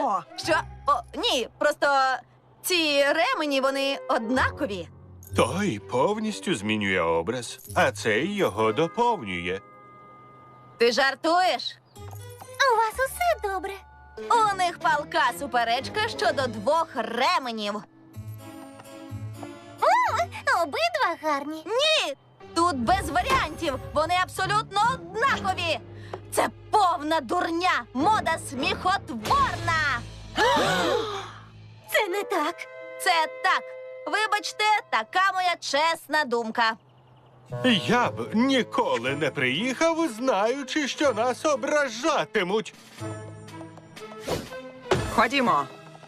Ходімо! Що? О, ні, просто ці ремені, вони однакові. Той повністю змінює образ, а цей його доповнює. Ти жартуєш? У вас усе добре? У них палка суперечка щодо 2 ременів. Обидва гарні. Ні, тут без варіантів. Вони абсолютно однакові. Це повна дурня, мода сміхотворна. Це не так. Це так. Вибачте, така моя чесна думка. Я б ніколи не приїхав, знаючи, що нас ображатимуть. Ходімо!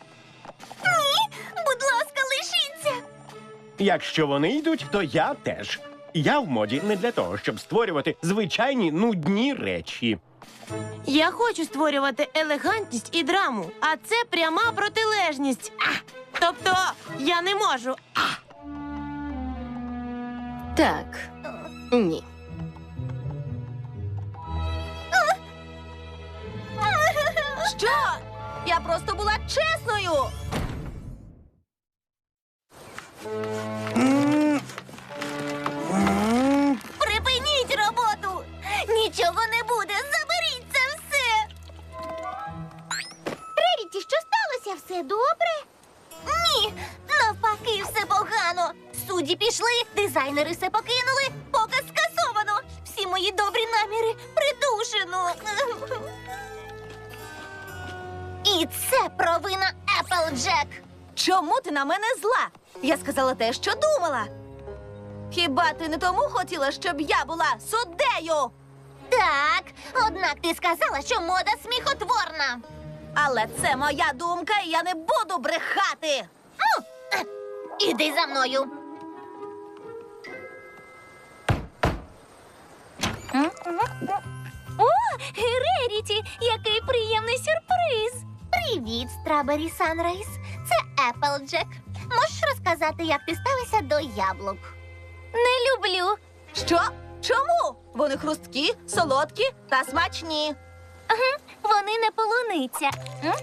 Будь ласка, лишіться. Якщо вони йдуть, то я теж. Я в моді не для того, щоб створювати звичайні нудні речі. Я хочу створювати елегантність і драму, а це пряма протилежність. Тобто я не можу. Так. Ні. Що? Я просто була чесною. Припиніть роботу. Нічого не буде. Заберіть це все. Реріті, що сталося? Все добре? Ні, навпаки, все погано. Судді пішли, дизайнери все покинули, показ скасовано. Всі мої добрі наміри придушено. І це провина Еплджек. Чому ти на мене зла? Я сказала те, що думала. Хіба ти не тому хотіла, щоб я була суддею? Так, однак ти сказала, що мода сміхотворна. Але це моя думка, і я не буду брехати. Іди за мною. О, Реріті, який приємний сюрприз. Привіт, Страбері Санрайз. Це Еплджек. Можеш розказати, як ти ставишся до яблук? Не люблю. Що? Чому? Вони хрусткі, солодкі та смачні. Вони не полуниця.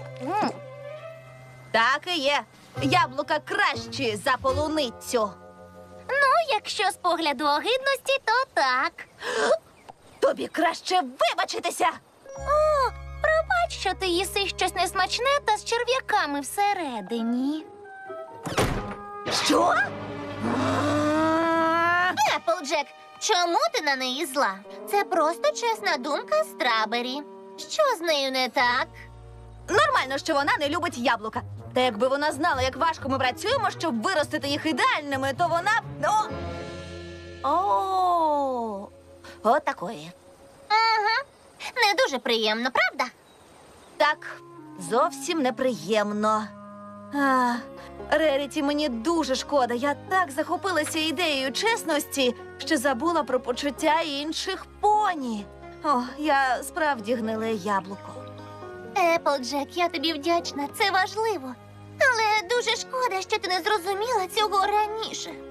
Так і є. Яблука кращі за полуницю. Ну, якщо з погляду огидності, то так. Тобі краще вибачитися. О, пробач, що ти їси щось несмачне та з черв'яками всередині. Що? Еплджек, чому ти на неї зла? Це просто чесна думка Страбері. Що з нею не так? Нормально, що вона не любить яблука. Та якби вона знала, як важко ми працюємо, щоб виростити їх ідеальними, то вона б... От такої. Ага. Не дуже приємно, правда? Так, зовсім неприємно. Реріті, мені дуже шкода. Я так захопилася ідеєю чесності, що забула про почуття інших поні. О, я справді гниле яблуко. Еплджек, я тобі вдячна, це важливо. Але дуже шкода, що ти не зрозуміла цього раніше.